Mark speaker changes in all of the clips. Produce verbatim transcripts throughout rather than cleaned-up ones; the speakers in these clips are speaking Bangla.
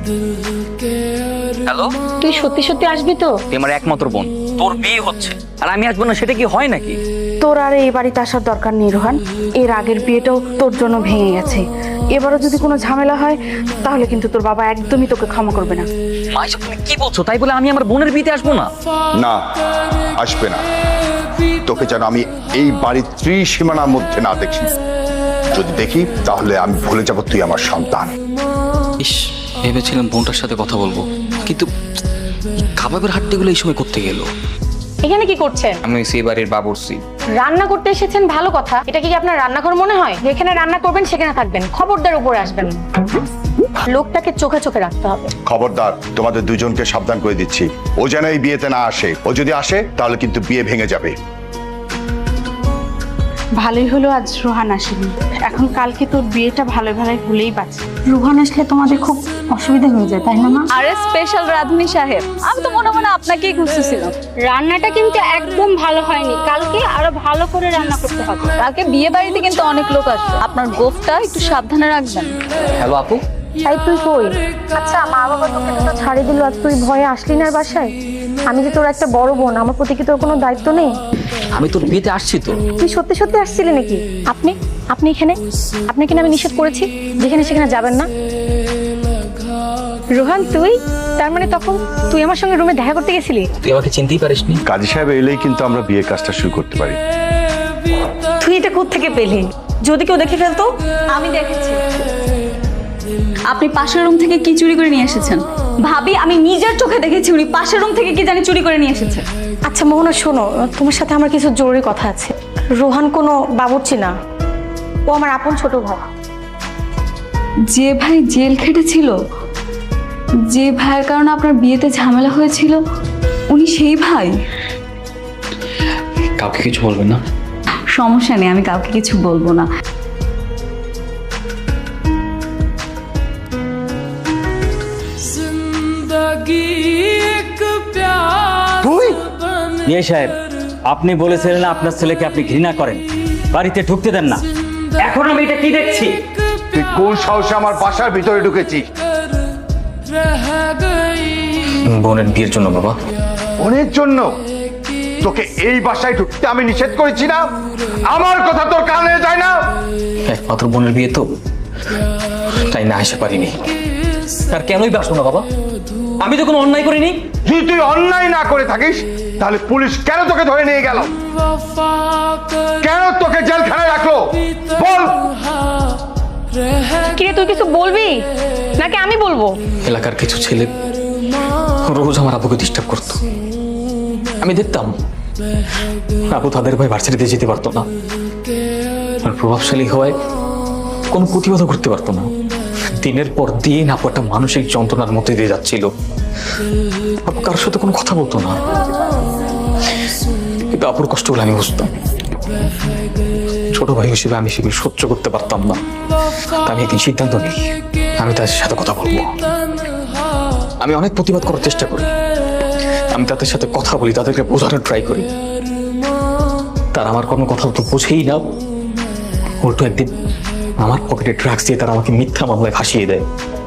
Speaker 1: হ্যালো,
Speaker 2: তুই সত্যি সত্যি আসবি তো?
Speaker 1: তুই আমার একমাত্র বোন, তোর বিয়ে হচ্ছে আর আমি আসবো না, সেটা কি হয় নাকি?
Speaker 2: তোর আর এই বাড়িতে আসার দরকার নেই রোহান। এর আগের বিয়েটাও তোর জন্য ভেঙে গেছে। এবারও যদি কোনো ঝামেলা হয় তাহলে কিন্তু তোর বাবা একদমই তোকে ক্ষমা করবে না।
Speaker 1: মা, এসব তুমি কি বলছো? তাই বলে আমি আমার বোনের বিয়েতে আসবো না?
Speaker 3: না, আসবে না। তোকে যেন আমি এই বাড়ির ত্রিসীমানার মধ্যে না দেখি। যদি দেখি তাহলে আমি ভুলে যাব তুই আমার সন্তান।
Speaker 1: ইস, ভেবেছিলাম বোনটার সাথে কথা বলবো, কিন্তু কাবাবের হাড্ডিগুলো এই সময় করতে গেল।
Speaker 2: এখানে কি করছেন?
Speaker 1: আমি সেই বাড়ির বাবুর্চি।
Speaker 2: রান্না করতে এসেছেন, ভালো কথা। এটা কি আপনার রান্নাঘর মনে হয়? যেখানে রান্না করবেন সেখানে থাকবেন, খবরদার উপরে আসবেন না। লোকটাকে চোখে চোখে রাখতে হবে।
Speaker 3: খবরদার, তোমাদের দুজনকে সাবধান করে দিচ্ছি। ও যেন এই বিয়েতে না আসে। ও যদি আসে তাহলে কিন্তু বিয়ে ভেঙে যাবে।
Speaker 4: ভালোই হলো আজ রোহান আসেনি। এখন কালকে তোর বিয়েটা ভালো ভালোই হলেই বাঁচে। রোহান আসলে তোমাদের খুব অসুবিধা হয়ে যায়, তাই না মা?
Speaker 5: আরে স্পেশাল রাধুনি সাহেব, আমি তো মনে মনে আপনাকেই খুঁজতেছিলাম।
Speaker 4: রান্নাটা কিন্তু একদম ভালো হয়নি, কালকে আরো ভালো করে রান্না করতে হবে।
Speaker 5: কালকে বিয়ে বাড়িতে কিন্তু অনেক লোক আসবে, আপনার গোফটা একটু সাবধানে রাখবেন।
Speaker 1: হ্যালো আপু।
Speaker 2: তাই তুই কই? আচ্ছা, মা বাবা তোকে তো ছাড়ি দিল আর তুই ভয়ে আসলি না বাসায়? আমি যে তোর একটা বড় বোন, আমার প্রতি কি তোর কোনো দায়িত্ব নেই?
Speaker 1: আমি তোর বিয়েতে আসছি তো।
Speaker 2: তুই সত্যি সত্যি আসছিলি নাকি? আপনি আপনি এখানে? আপনি কিনা আমি নিষেধ করেছি যেখানে সেখানে যাবেন না? রোহান, তুই তার মানে তখন তুই আমার সঙ্গে রুমে দেখা করতে গেছিলি?
Speaker 1: তুই আমাকে চিনতেই পারিসনি?
Speaker 3: কাজী সাহেব এলেই কিন্তু আমরা বিয়ের কাজটা শুরু করতে পারি।
Speaker 2: তুই এটা কোত্থেকে পেলি? যদি কেউ দেখে ফেলতো?
Speaker 5: আমি দেখেছি আপনি পাশের রুম থেকে কি চুরি করে নিয়ে এসেছেন। ভাবি, আমি নিজের চোখে দেখেছি উনি পাশের রুম থেকে কি জানি চুরি করে নিয়ে এসেছেন।
Speaker 2: আচ্ছা মোহনা, শোনো, তোমার সাথে আমার কিছু জরুরি কথা আছে। রোহান কোনো বাবুর্চি না, ও আমার আপন ছোট ভাই।
Speaker 5: যে ভাই জেল খেটেছিল, যে ভাইয়ের কারণে আপনার বিয়েতে ঝামেলা হয়েছিল, উনি সেই ভাই?
Speaker 1: কাউকে কিছু বলবেন না?
Speaker 5: সমস্যা নেই, আমি কাউকে কিছু বলবো না।
Speaker 6: ইয়ে সাহেব, আপনি বলেছিলেন আপনার ছেলেকে আপনি ঘৃণা করেন, বাড়িতে ঢুকতে দেন না। এখন আমি এটা কি দেখছি?
Speaker 3: তুই কোন সাহসে আমার বাসার ভিতরে ঢুকেছিস?
Speaker 1: বোনের বিয়ের জন্য বাবা।
Speaker 3: বোনের জন্য? তোকে এই বাসায় ঢুকতে আমি নিষেধ করেছি না? আমার কথা তোর কানে যায় না?
Speaker 1: একমাত্র বোনের বিয়ে তো, তাই না আসতে পারিনি। আর কেনই বাসবো না বাবা? আমি তো কোনো অন্যায় করিনি।
Speaker 3: যদি তুই অন্যায় না করে থাকিস তাহলে পুলিশ কেন তোকে ধরে নিয়ে গেল? কেন তোকে জেলখানায় রাখলো বল?
Speaker 2: কিরে, তুই কিছু বলবি নাকি আমি বলবো?
Speaker 1: এলাকার কিছু ছেলে রোজ আমার আব্বুকে ডিস্টার্ব করতো। আমি দেখতাম আবু তাদের ভয় ভার্সিটিতে যেতে পারতো না, আর প্রভাবশালী হওয়ায় কোনো প্রতিবাদও করতে পারতো না। দিনের পর দিন আপু একটা মানসিক যন্ত্রণার মধ্যে দিয়ে যাচ্ছিল। আপু কারোর সাথে কোনো কথা বলতো না, কিন্তু আপুর কষ্টগুলো আমি বুঝতাম। ছোট ভাই হিসেবে আমি সেগুলো সহ্য করতে পারতাম না। তা আমি একদিন সিদ্ধান্ত নিই, আমি তাদের সাথে কথা বলবো। আমি অনেক প্রতিবাদ করার চেষ্টা করি, আমি তাদের সাথে কথা বলি, তাদেরকে বোঝানোর ট্রাই করি। তারা আমার কোনো কথা তো বোঝেই না। উল্টো একদিন আমার পকেটে ড্রাগস দিয়ে তারা আমাকে মিথ্যা মামলায় ফাঁসিয়ে দেয়।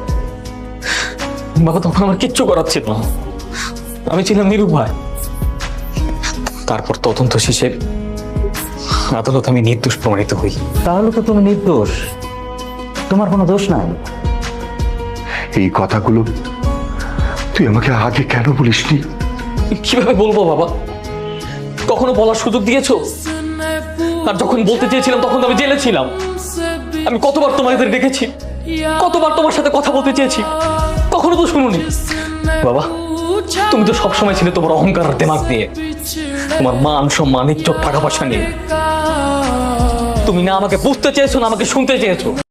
Speaker 1: বাবা তখন আমার কিচ্ছু করার ছিল না, আমি ছিলাম নিরুপায়। তারপর তদন্ত শেষে আদালত আমি নির্দোষ প্রমাণিত হই।
Speaker 6: তাহলে তো তুমি নির্দোষ, তোমার কোনো দোষ নাই।
Speaker 3: এই কথাগুলো তুই আমাকে আগে কেন বলিসনি?
Speaker 1: কিভাবে বলবো বাবা? কখনো বলার সুযোগ দিয়েছো? আর যখন বলতে চেয়েছিলাম তখন তো আমি জেলে ছিলাম। আমি কতবার তোমাদের দেখেছি, কতবার তোমার সাথে কথা বলতে চেয়েছি, কখনো তো শুনুনি। বাবা, তুমি তো সবসময় ছিলে তোমার অহংকার আর দেমাগ দিয়ে, তোমার মান সম্মান ইজ্জত টাকা পয়সা নিয়ে। তুমি না আমাকে বুঝতে চেয়েছো না আমাকে শুনতে চেয়েছো।